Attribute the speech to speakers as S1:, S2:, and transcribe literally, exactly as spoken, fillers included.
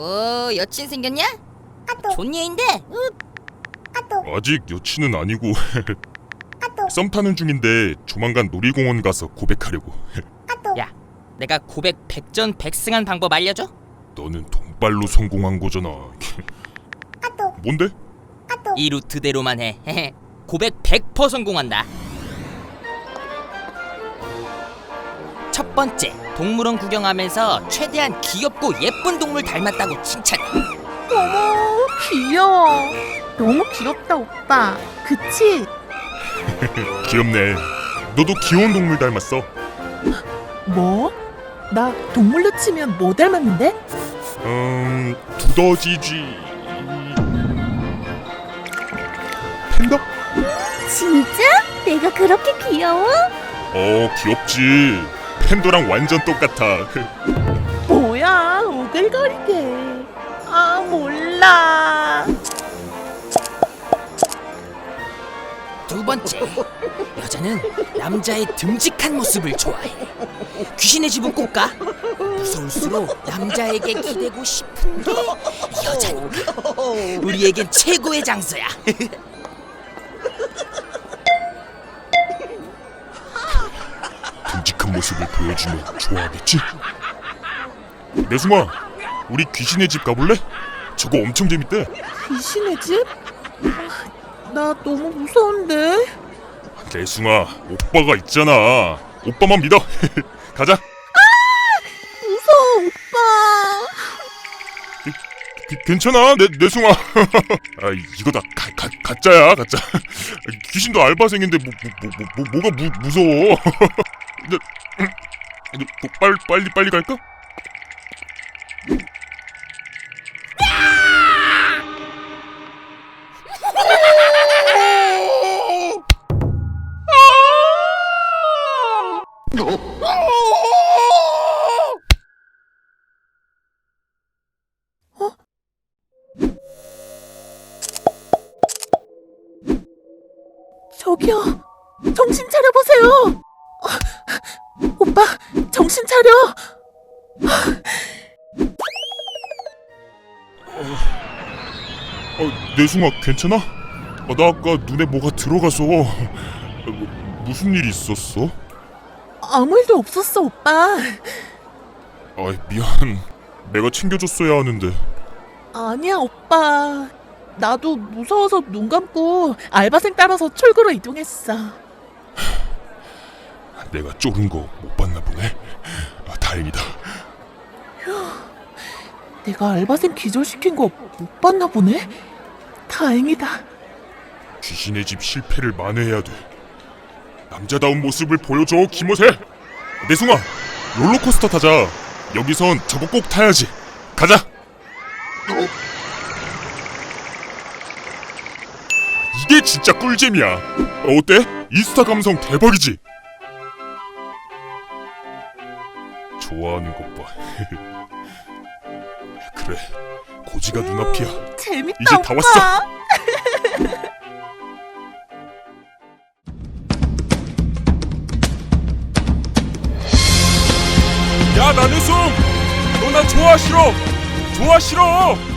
S1: 어, 여친 생겼냐? 좋은 얘인데.
S2: 아직 여친은 아니고 썸 타는 중인데 조만간 놀이공원 가서 고백하려고.
S1: 야, 내가 고백 백전백승한 방법 알려줘?
S2: 너는 돈발로 성공한 거잖아. 뭔데?
S1: 이 루트대로만 해. 고백 백 퍼센트 성공한다. 첫 번째, 동물원 구경하면서 최대한 귀엽고 예쁜 동물 닮았다고 칭찬해.
S3: 어머, 귀여워. 너무 귀엽다, 오빠. 그치?
S2: 귀엽네. 너도 귀여운 동물 닮았어.
S3: 뭐? 나 동물로 치면 뭐 닮았는데?
S2: 음... 두더지쥐... 팬더?
S4: 진짜? 내가 그렇게 귀여워?
S2: 어, 귀엽지. 팬더랑 완전 똑같아.
S3: 뭐야, 오글거리게. 아, 몰라.
S1: 두 번째, 여자는 남자의 듬직한 모습을 좋아해. 귀신의 집은 꼭 가. 무서울수록 남자에게 기대고 싶은 게 여자니까. 우리에겐 최고의 장소야.
S2: 듬직한 모습을 보여주면 좋아하겠지? 내숭아, 우리 귀신의 집 가볼래? 저거 엄청 재밌대.
S3: 귀신의 집? 아, 나 너무 무서운데.
S2: 내숭아, 오빠가 있잖아. 오빠만 믿어. 가자.
S3: 무서워, 오빠.
S2: 기, 괜찮아, 내, 내숭아. 아, 이거 다 가, 가, 가짜야, 가짜. 귀신도 알바생인데 뭐, 뭐, 뭐, 뭐, 뭐가 무, 무서워. 근데, 너, 너 빨리, 빨리, 빨리 갈까?
S3: 저기요, 정신 차려보세요. 어, 오빠, 정신 차려.
S2: 어, 내숭아, 괜찮아? 어, 나 아까 눈에 뭐가 들어가서. 어, 뭐, 무슨 일 있었어?
S3: 아무 일도 없었어, 오빠.
S2: 아, 미안. 내가 챙겨줬어야 하는데.
S3: 아니야, 오빠. 나도 무서워서 눈 감고 알바생 따라서 출구로 이동했어.
S2: 내가 쫄은 거 못 봤나 보네. 아, 다행이다.
S3: 내가 알바생 기절시킨 거 못 봤나 보네? 다행이다.
S2: 귀신의 집 실패를 만회해야 돼. 남자다운 모습을 보여줘, 김호세. 내숭아, 롤러코스터 타자. 여기선 저거 꼭 타야지. 가자. 이게 진짜 꿀잼이야. 어때? 인스타 감성 대박이지? 좋아하는 것 봐. 그래, 고지가 눈앞이야.
S3: 재밌다,
S2: 이제
S3: 오빠.
S2: 다 왔어. 야, 나는숨! 너 나 좋아 싫어? 좋아 싫어?